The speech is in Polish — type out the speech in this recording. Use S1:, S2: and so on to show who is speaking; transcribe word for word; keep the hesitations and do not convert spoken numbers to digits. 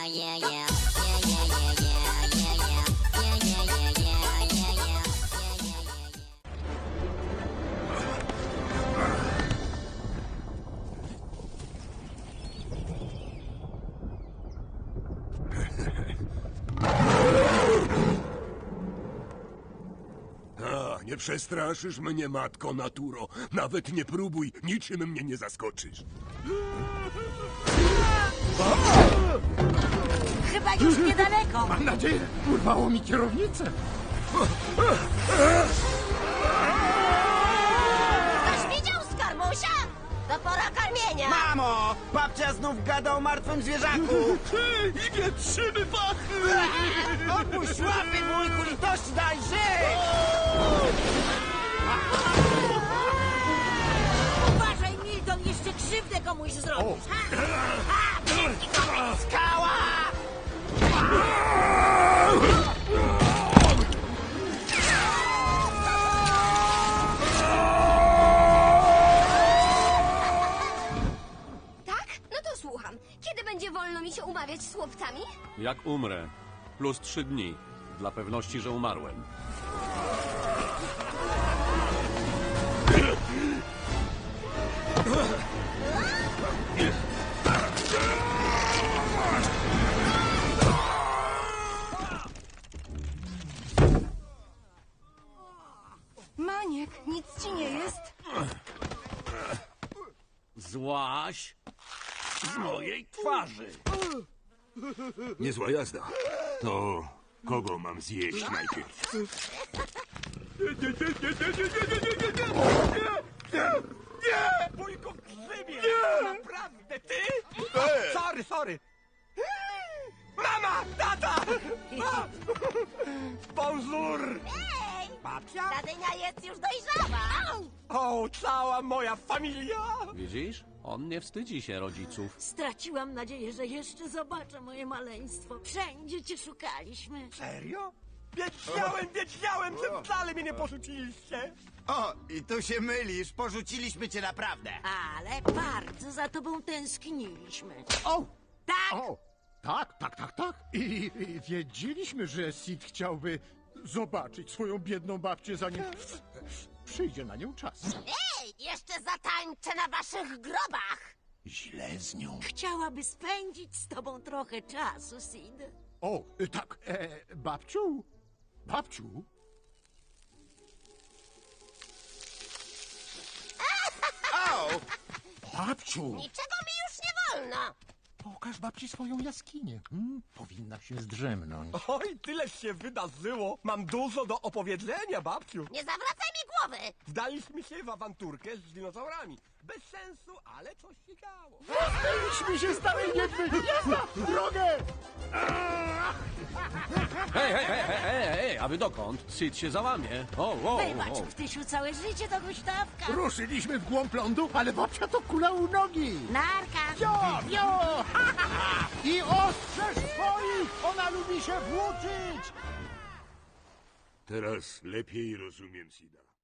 S1: yeah, yeah. Yeah, yeah, yeah, yeah, yeah, yeah. Yeah, yeah, yeah, yeah, yeah, yeah. Yeah, yeah, yeah, yeah.
S2: A, nie przestraszysz mnie, matko naturo. Nawet nie próbuj, niczym mnie nie zaskoczysz.
S3: Chyba już niedaleko.
S4: Mam nadzieję, urwało mi kierownicę.
S3: Ktoś widział skarbusia? To pora karmienia.
S5: Mamo! Babcia znów gada o martwym zwierzaku!
S2: I wietrzymy pachy!
S5: Opuść łapy, wujku, litości daj żyć!
S3: Uważaj, Milton, jeszcze krzywdę komuś zrobisz. Ha, ha, wielki koleś.
S5: Skała!
S6: Tak? No to słucham. Kiedy będzie wolno mi się umawiać z chłopcami?
S7: Jak umrę. Plus trzy dni. Dla pewności, że umarłem.
S6: Maniek, nic ci nie jest?
S7: Złaś z mojej twarzy.
S2: Niezła jazda. To kogo mam zjeść najpierw?
S5: Nie! Wujku grzybie! Naprawdę, ty? Sorry, sorry! Mama! Tata! Bonjour!
S3: Ej,
S5: Babcia?
S3: ta dynia jest już dojrzała.
S5: O, cała moja familia!
S7: Widzisz? On nie wstydzi się rodziców.
S3: Straciłam nadzieję, że jeszcze zobaczę moje maleństwo. Wszędzie cię szukaliśmy.
S5: Serio? Wiedziałem, wiedziałem, że wcale mnie nie porzuciliście!
S8: O, i tu się mylisz, porzuciliśmy cię naprawdę.
S3: Ale bardzo za tobą tęskniliśmy.
S4: O!
S3: Tak?
S4: O! Tak, tak, tak, tak. I, i wiedzieliśmy, że Sid chciałby zobaczyć swoją biedną babcię, zanim przyjdzie na nią czas.
S3: Ej, jeszcze zatańczę na waszych grobach.
S4: Źle z nią.
S3: Chciałaby spędzić z tobą trochę czasu, Sid.
S4: O, y, tak, e, babciu, babciu.
S8: O!
S4: Babciu,
S3: Niczego mi już nie wolno.
S4: pokaż babci swoją jaskinię. Hmm, powinna się zdrzemnąć.
S5: Oj, tyleż się wydarzyło! Mam dużo do opowiedzenia, babciu!
S3: Nie zawracaj mi głowy.
S5: Wdaliśmy się w awanturkę z dinozaurami. Bez sensu, ale coś się działo.
S4: Myśmy się starej niedźwiedź! Jazda! Drogę!
S7: Hej, hej, hej, hej, hej, hej, a wy dokąd? Syd się załamie. O, o,
S3: Wybacz,
S7: o.
S3: Ptysiu, całe życie do huśtawka.
S4: Ruszyliśmy w głąb lądu, ale babcia to kula u nogi.
S3: Narka.
S4: Jo, jo! Ha, ha, ha. I ostrzeż swoich! Ona lubi się włóczyć!
S2: Teraz lepiej rozumiem Sida.